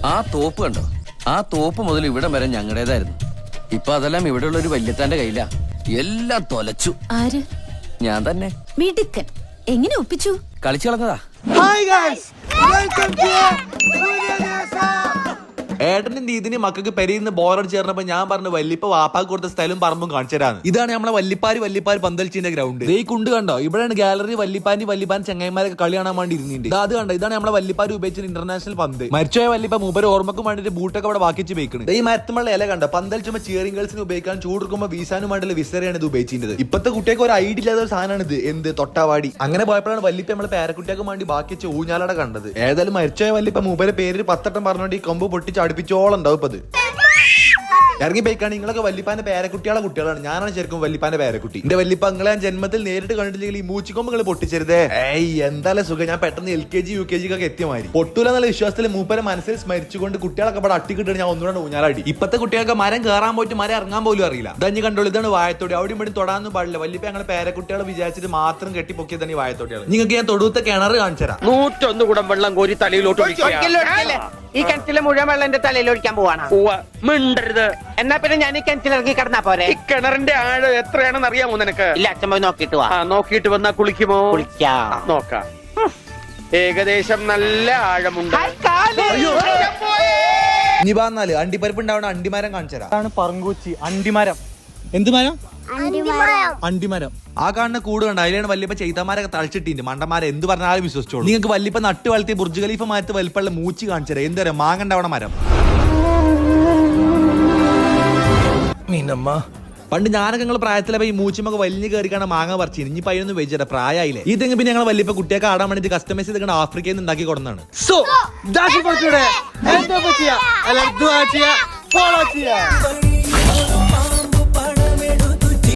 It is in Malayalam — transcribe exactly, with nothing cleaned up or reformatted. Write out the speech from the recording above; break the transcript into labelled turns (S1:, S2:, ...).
S1: ആ തോപ്പ് കണ്ടോ? ആ തോപ്പ് മുതൽ ഇവിടെ വരെ ഞങ്ങളുടേതായിരുന്നു. ഇപ്പൊ അതെല്ലാം ഇവിടെയുള്ള ഒരു വല്യത്താന്റെ കയ്യിലാ. എല്ലാം തൊലച്ചു.
S2: ആര്?
S1: ഞാൻ തന്നെ.
S2: മിടുക്കൻ. എങ്ങനെ ഒപ്പിച്ചു?
S1: കളിച്ചു കളഞ്ഞതാ.
S3: ഏട്ടനും നീതിന് മക്കൾക്ക് പെരിന്ന് ബോറടി ചേർന്നപ്പോ ഞാൻ പറഞ്ഞു വല്ലിപ്പ വാപ്പാക്ക് കൊടുത്ത സ്ഥലം പറമ്പും കാണിച്ചു തരാന്ന്. ഇതാണ് നമ്മളെ വല്ലിപ്പാര് വല്ലിപ്പാര് പന്തൽച്ചിന്റെ ഗ്രൗണ്ട്. ഈ കുണ്ട് കണ്ടോ? ഇവിടെയാണ് ഗാലറി വല്ലിപ്പാനി വല്ലിപ്പാൻ ചങ്ങായിമാരൊക്കെ കളി കാണാൻ വേണ്ടി ഇരുന്നിട്ടുണ്ട്. അത് കണ്ടോ? ഇതാണ് നമ്മളെ വല്ലിപ്പാര് ഉപയോഗിച്ച ഇന്റർനാഷണൽ പന്ത്. മരിച്ചോയ വല്ലിപ്പ മൂപ്പര് ഓർമ്മക്കും വേണ്ടിട്ട് ബൂട്ടൊക്കെ അവിടെ വാക്കിച്ച് വെക്കുന്നത്. ഈ മരത്തുമുള്ള ഇല കണ്ടോ? പന്തൽച്ചുമ്പോ ചിയറിംഗ് ഗേൾസിന് ഉപയോഗിക്കാൻ ചൂടുക്കുമ്പോ വീസാനും വേണ്ടിയുള്ള വിസറിയാണ് ഇത് ഉപയോഗിച്ചിരുന്നത്. ഇപ്പത്തെ കുട്ടിയൊക്കെ ഒരു ഐഡിയ ഇല്ലാത്ത ഒരു സാധനമാണ് ഇത്. എന്ത് തൊട്ടാവാടി. അങ്ങനെ പോയപ്പോഴാണ് വല്ലിപ്പ നമ്മളെ പേരക്കുട്ടിയൊക്കെ വേണ്ടി ബാക്കി വെച്ച് ഊഞ്ഞാലട കണ്ടത്. ഏതായാലും മരിച്ചോയ വല്ലിപ്പ മൂപ്പരെ പേര് പത്തട്ടം പറഞ്ഞോണ്ട് ഈ കൊമ്പ് പൊട്ടിച്ച് അടുപ്പിച്ചോളം ഉണ്ടാവും. ഇറങ്ങി പോയിക്കാണ്. നിങ്ങളൊക്കെ വല്ലിപ്പാന്റെ പേരക്കുട്ടികളെ കുട്ടികളാണ്. ഞാനാണ് ശരിക്കും വല്ലിപ്പാന്റെ പേരക്കുട്ടി. എന്റെ വല്ലിപ്പ നിങ്ങളെ ഞാൻ ജന്മത്തിൽ നേരിട്ട് കണ്ടിട്ടില്ലെങ്കിൽ ഈ മൂച്ചിക്കൊമ്പ് നിങ്ങൾ പൊട്ടിച്ചരുതേ. ഏയ് എന്തായാലും സുഖം. ഞാൻ പെട്ടെന്ന് L K G U K G ഒക്കെ എത്തിയ മാതിരി പൊട്ടൂല എന്നുള്ള വിശ്വാസത്തിൽ മൂപ്പരെ മനസ്സിൽ സ്മരിച്ചുകൊണ്ട് കുട്ടികളൊക്കെ ഇവിടെ അട്ടിക്കിട്ട് ഞാൻ ഒന്നുകൂടെ ഊഞ്ഞാലാടി. ഇപ്പത്തെ കുട്ടികൾക്ക് മരം കയറാൻ പോയിട്ട് മരം ഇറങ്ങാൻ പോലും അറിയില്ല. ഇതഞ്ഞ് കണ്ടോളൂ. ഇതാണ് വായത്തോടി. അവിടെ ഇവിടെ തൊടാനൊന്നും പാടില്ല. വല്ലിപ്പ ഞങ്ങളെ പേരക്കുട്ടികളെ വിചാരിച്ചിട്ട് മാത്രം കെട്ടിപ്പൊക്കിയതാണ് ഈ വായത്തോട്ടികൾ. നിങ്ങൾക്ക് ഞാൻ തൊടുത്ത കിണർ കാണിച്ചു തരാം.
S4: നൂറ്റൊന്ന് കുടം വെള്ളം കോരി തലയിലോട്ട്
S5: ഈ കിണറ്റിലെ മുഴുവൻ വെള്ളം എന്റെ തലയിൽ ഒഴിക്കാൻ പോവാണ്.
S4: മിണ്ടരുത്.
S5: എന്നാ പിന്നെ ഞാൻ ഈ കിണറ്റിലിറങ്ങി കിടന്നാ പോരെ?
S4: ഈ കിണറിന്റെ ആഴം എത്രയാണെന്ന് അറിയാമോ നിനക്ക്?
S5: ഇല്ല, അച്ഛൻ പോയി നോക്കിട്ട് വാ.
S4: നോക്കിട്ട് വന്നാ കുളിക്കുമോ?
S5: കുളിക്കാം.
S4: നോക്കാം. ഏകദേശം നല്ല ആഴമുണ്ട്.
S3: ഇനി പറഞ്ഞാല് അണ്ടിപ്പരിപ്പ് ഉണ്ടാവണ അണ്ടിമരം കാണിച്ചു തരാം.
S6: പറങ്കൂച്ചി അണ്ടിമരം.
S3: എന്ത് മരം? അണ്ടിമരം. ആ കാണുന്ന കൂട് കണ്ട അതിലാണ് വല്യപ്പ ചെയ്തമാരൊക്കെ തളിച്ചിട്ടുണ്ട്. മണ്ടന്മാരെ എന്ത് പറഞ്ഞാലും വിശ്വസിച്ചോളൂ. നിങ്ങൾക്ക് വല്യപ്പ നട്ട് വളർത്തിയ ബുർജ് ഖലീഫ മാരത്ത് വലിപ്പമുള്ള മൂച്ചി കാണിച്ചു തരാം. എന്താ പറയാ? മാങ്ങ ഉണ്ടാവണ മരം. പണ്ട് ഞാനൊക്കെ നിങ്ങൾ പ്രായത്തിലെ ഈ മൂച്ചിമൊക്കെ വലിയ കയറിക്കാണ് മാങ്ങ പറിച്ചു. ഇനി പയ്യൊന്നും വെച്ചിട്ട് പ്രായമായില്ലേ. ഈ തെങ്ങ് പിന്നെ ഞങ്ങൾ വല്യപ്പ കുട്ടിയൊക്കെ ആടാൻ വേണ്ടി കസ്റ്റമൈസ് ചെയ്ത് ആഫ്രിക്കയിൽ നിന്ന് ഉണ്ടാക്കി കൊടുക്കുന്നതാണ്.
S6: സോ ഫോളോ ചെയ്യാ.